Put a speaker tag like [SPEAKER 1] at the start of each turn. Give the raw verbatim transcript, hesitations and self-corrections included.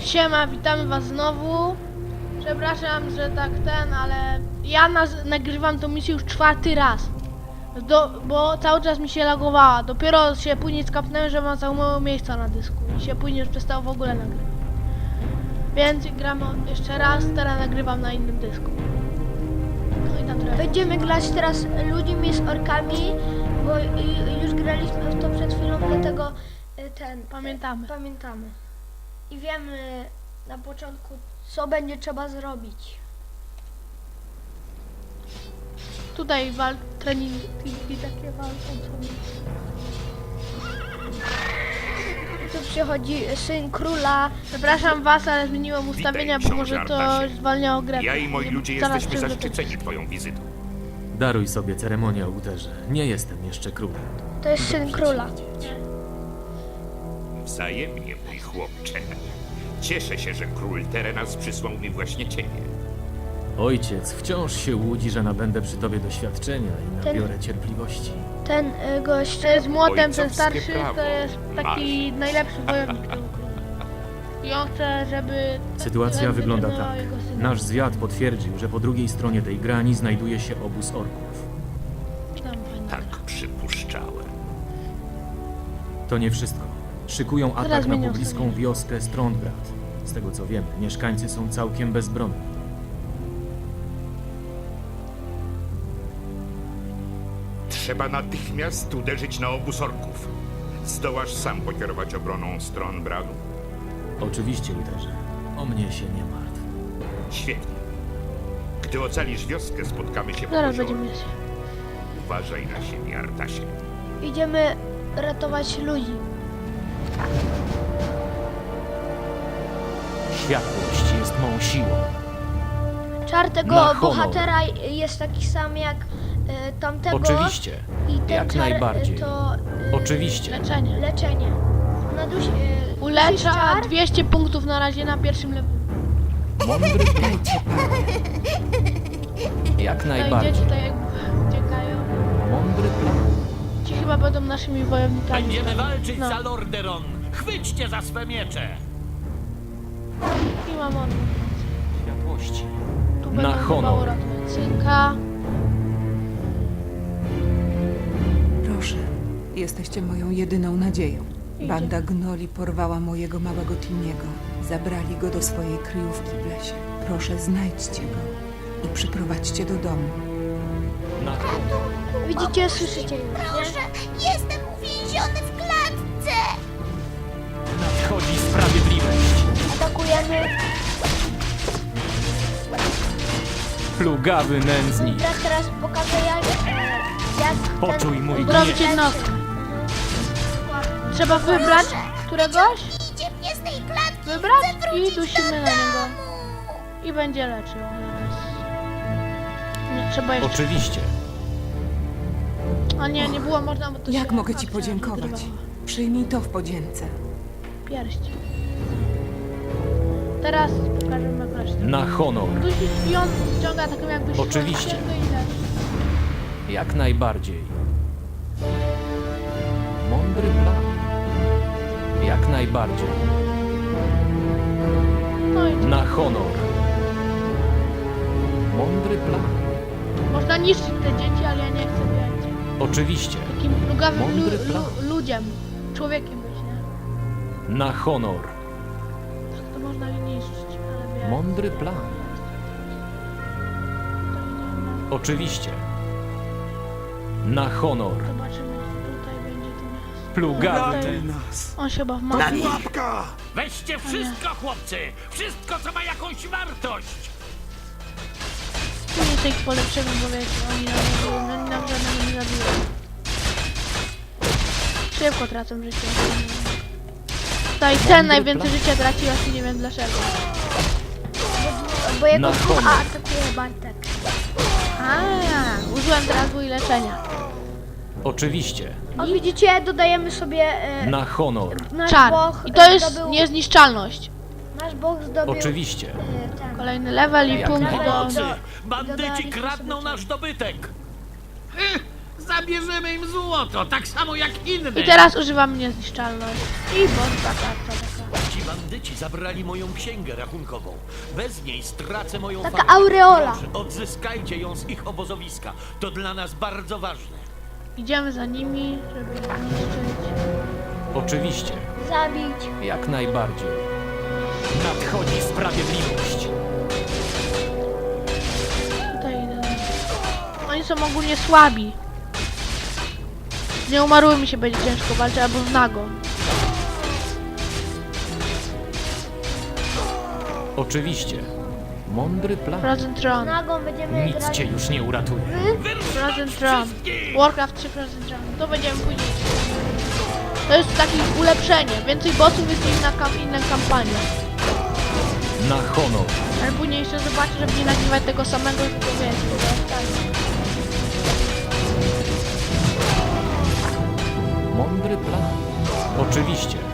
[SPEAKER 1] Siema, witamy was znowu. Przepraszam, że tak ten, ale ja naz- nagrywam tą misję już czwarty raz. Do, bo cały czas mi się lagowała. Dopiero się później skapnąłem, że mam za mało miejsca na dysku. I się później już przestało w ogóle nagrywać. Więc gram jeszcze raz, teraz nagrywam na innym dysku. No i tam trochę.
[SPEAKER 2] Będziemy grać teraz ludźmi z orkami, bo y, już graliśmy w to przed chwilą, dlatego y, ten,
[SPEAKER 1] Pamiętamy.
[SPEAKER 2] pamiętamy. I wiemy na początku, co będzie trzeba zrobić.
[SPEAKER 1] Tutaj wal treningi takie walką sobie.
[SPEAKER 2] Tu przychodzi syn króla.
[SPEAKER 1] Przepraszam was, ale zmieniłem ustawienia, bo może to zwalniało grę.
[SPEAKER 3] Ja i moi ludzie
[SPEAKER 1] Zaraz
[SPEAKER 3] jesteśmy
[SPEAKER 1] przyjdę do
[SPEAKER 3] zaszczyceni twoją wizytą.
[SPEAKER 4] Daruj sobie ceremonię o Uterze. Nie jestem jeszcze królem.
[SPEAKER 2] To jest syn króla.
[SPEAKER 3] Wzajemnie, mój chłopcze. Cieszę się, że król Terenas przysłał mi właśnie ciebie.
[SPEAKER 4] Ojciec wciąż się łudzi, że nabędę przy tobie doświadczenia i
[SPEAKER 2] Ten-
[SPEAKER 4] nabiorę cierpliwości.
[SPEAKER 2] Ten y, gość,
[SPEAKER 1] To jest młotem, ten
[SPEAKER 3] Ojcowskie
[SPEAKER 1] starszy
[SPEAKER 3] prawo.
[SPEAKER 1] to jest taki najlepszy wojownik tego króla. I on chce, żeby...
[SPEAKER 4] Sytuacja
[SPEAKER 1] żeby
[SPEAKER 4] wygląda
[SPEAKER 1] miał
[SPEAKER 4] tak.
[SPEAKER 1] jego syna.
[SPEAKER 4] Nasz zwiad potwierdził, że po drugiej stronie tej grani znajduje się obóz orków.
[SPEAKER 1] Tam fajnie.
[SPEAKER 3] Tak przypuszczałem.
[SPEAKER 4] To nie wszystko. Szykują
[SPEAKER 1] Zaraz
[SPEAKER 4] atak na
[SPEAKER 1] zmienią
[SPEAKER 4] pobliską
[SPEAKER 1] sobie.
[SPEAKER 4] wioskę Strondgrad. Z tego co wiemy, mieszkańcy są całkiem bezbronni.
[SPEAKER 3] Trzeba natychmiast uderzyć na obóz orków. Zdołasz sam pokierować obroną stron Bradu?
[SPEAKER 4] Oczywiście, Uterze. O mnie się nie martw.
[SPEAKER 3] Świetnie. Gdy ocalisz wioskę, spotkamy się po
[SPEAKER 1] Zaraz
[SPEAKER 3] jeziorze.
[SPEAKER 1] będziemy się.
[SPEAKER 3] Uważaj na siebie, Artasie.
[SPEAKER 2] idziemy ratować ludzi.
[SPEAKER 4] Światłość jest mą siłą.
[SPEAKER 2] Czar tego
[SPEAKER 4] Na honor.
[SPEAKER 2] bohatera jest taki sam jak y, tamtego.
[SPEAKER 4] Oczywiście.
[SPEAKER 2] I ten
[SPEAKER 4] Jak
[SPEAKER 2] czar,
[SPEAKER 4] najbardziej.
[SPEAKER 2] Y, to y,
[SPEAKER 4] Oczywiście.
[SPEAKER 1] Leczenie.
[SPEAKER 2] leczenie. Na duś, y,
[SPEAKER 1] Ulecza
[SPEAKER 2] czar,
[SPEAKER 1] dwieście punktów na razie na pierwszym levelu.
[SPEAKER 4] Mądry plan. Jak
[SPEAKER 1] Tutaj
[SPEAKER 4] najbardziej.
[SPEAKER 1] dzieci tutaj jak uciekają.
[SPEAKER 4] Mądry plan.
[SPEAKER 1] Ci chyba będą naszymi wojownikami.
[SPEAKER 5] Będziemy walczyć
[SPEAKER 1] No.
[SPEAKER 5] za Lordaeron! Chwyćcie za swe miecze!
[SPEAKER 1] I mam on.
[SPEAKER 4] Światłości.
[SPEAKER 1] Tu
[SPEAKER 4] Na
[SPEAKER 1] będą
[SPEAKER 4] honor.
[SPEAKER 1] chyba uratować synka.
[SPEAKER 6] Proszę, jesteście moją jedyną nadzieją. Banda gnoli porwała mojego małego Timiego. Zabrali go do swojej kryjówki w lesie. Proszę, znajdźcie go i przyprowadźcie do domu.
[SPEAKER 4] Na honor.
[SPEAKER 2] widzicie, słyszycie już, nie?
[SPEAKER 7] Proszę, jestem uwięziony w klatce!
[SPEAKER 4] Nadchodzi sprawiedliwość.
[SPEAKER 2] Atakujemy.
[SPEAKER 4] Plugawy nędznik.
[SPEAKER 2] Brat teraz pokaże jak, e, jak
[SPEAKER 4] Poczuj
[SPEAKER 2] ten
[SPEAKER 4] mój
[SPEAKER 1] Uzdrowić
[SPEAKER 4] gniew.
[SPEAKER 1] jednostkę. Trzeba wybrać któregoś,
[SPEAKER 7] Idzie mnie z tej klatki!
[SPEAKER 1] wybrać
[SPEAKER 7] Chcę
[SPEAKER 1] i
[SPEAKER 7] wrócić
[SPEAKER 1] dusimy
[SPEAKER 7] do
[SPEAKER 1] na niego.
[SPEAKER 7] domu!
[SPEAKER 1] I będzie leczył. Nie, trzeba jeszcze...
[SPEAKER 4] Oczywiście.
[SPEAKER 1] A nie, nie było można, bo to
[SPEAKER 6] Jak
[SPEAKER 1] się
[SPEAKER 6] mogę ci
[SPEAKER 1] akcja
[SPEAKER 6] podziękować?
[SPEAKER 1] wygrywała.
[SPEAKER 6] Przyjmij to w podzięce.
[SPEAKER 1] Pierść. Teraz pokażemy resztę.
[SPEAKER 4] Na honor.
[SPEAKER 1] Dusi i on ściąga taką jakby siłę
[SPEAKER 4] Oczywiście.
[SPEAKER 1] księgę i leczy.
[SPEAKER 4] Jak najbardziej. Mądry plan. Jak najbardziej.
[SPEAKER 1] No i
[SPEAKER 4] Na honor. Mądry plan.
[SPEAKER 1] można niszczyć te dzieci, ale ja nie chcę być
[SPEAKER 4] Oczywiście.
[SPEAKER 1] takim plugawym lu,
[SPEAKER 4] Mądry plan.
[SPEAKER 1] lu, ludziem, człowiekiem być, nie?
[SPEAKER 4] Na honor.
[SPEAKER 1] Tak to można je niszczyć, ale wie.
[SPEAKER 4] Mądry plan.
[SPEAKER 1] To idziemy.
[SPEAKER 4] Oczywiście. Na honor.
[SPEAKER 1] Zobaczymy, czy tutaj będzie to miasto.
[SPEAKER 4] Plugawy.
[SPEAKER 1] Tutaj- On się chyba w mapie.
[SPEAKER 5] Weźcie wszystko, chłopcy! Wszystko, co ma jakąś wartość!
[SPEAKER 1] Nie tych polepszymy, bo wiecie, oni nam nie biją, oni nam żadnego nie zabiją. Szybko tracą życie. Tutaj ten najwięcej
[SPEAKER 4] plan.
[SPEAKER 1] życia traci, właśnie nie wiem dlaczego.
[SPEAKER 2] bo jego
[SPEAKER 4] Na
[SPEAKER 2] ducha
[SPEAKER 4] honor.
[SPEAKER 2] atakuje Bartek.
[SPEAKER 1] A, użyłem teraz bój leczenia.
[SPEAKER 4] Oczywiście.
[SPEAKER 2] O, widzicie, dodajemy sobie e,
[SPEAKER 4] Na honor.
[SPEAKER 2] nasz
[SPEAKER 1] Czar.
[SPEAKER 2] Bóg
[SPEAKER 1] I to jest
[SPEAKER 2] zdobył,
[SPEAKER 1] niezniszczalność.
[SPEAKER 2] nasz Bóg zdobył
[SPEAKER 4] Oczywiście.
[SPEAKER 2] e, ten.
[SPEAKER 1] Kolejny level i
[SPEAKER 4] Jak
[SPEAKER 1] punkt do...
[SPEAKER 5] Pomocy!
[SPEAKER 2] do-
[SPEAKER 5] Bandyci
[SPEAKER 2] dodaliśmy
[SPEAKER 5] kradną
[SPEAKER 2] sobie
[SPEAKER 5] nasz dobytek! Zabierzemy im złoto, tak samo jak inne!
[SPEAKER 1] I teraz używam niezniszczalność. I boss taka, taka.
[SPEAKER 5] Ci bandyci zabrali moją księgę rachunkową. Bez niej stracę moją
[SPEAKER 2] Taka
[SPEAKER 5] fabrykę.
[SPEAKER 2] aureola.
[SPEAKER 5] Proszę, odzyskajcie ją z ich obozowiska. To dla nas bardzo ważne.
[SPEAKER 1] Idziemy za nimi, żeby ich zniszczyć.
[SPEAKER 4] Oczywiście,
[SPEAKER 2] Zabić.
[SPEAKER 4] jak najbardziej. Nadchodzi sprawiedliwość.
[SPEAKER 1] Tutaj idę. Oni są ogólnie słabi. Z nieumarłymi się będzie ciężko walczyć, albo z nago.
[SPEAKER 4] Oczywiście. Mądry plan.
[SPEAKER 1] Frozen Throne.
[SPEAKER 2] Nagą będziemy
[SPEAKER 4] Nic
[SPEAKER 2] grać.
[SPEAKER 4] cię już nie uratuje.
[SPEAKER 1] Frozen Throne. Warcraft trzy Frozen Throne. To będziemy później. To jest takie ulepszenie. Więcej bossów jest inna, kam inna kampania.
[SPEAKER 4] Na honor.
[SPEAKER 1] Ale później jeszcze zobaczę, żeby nie nagrywać tego samego, tylko wiesz, to jest tak.
[SPEAKER 4] Mądry plan. Oczywiście.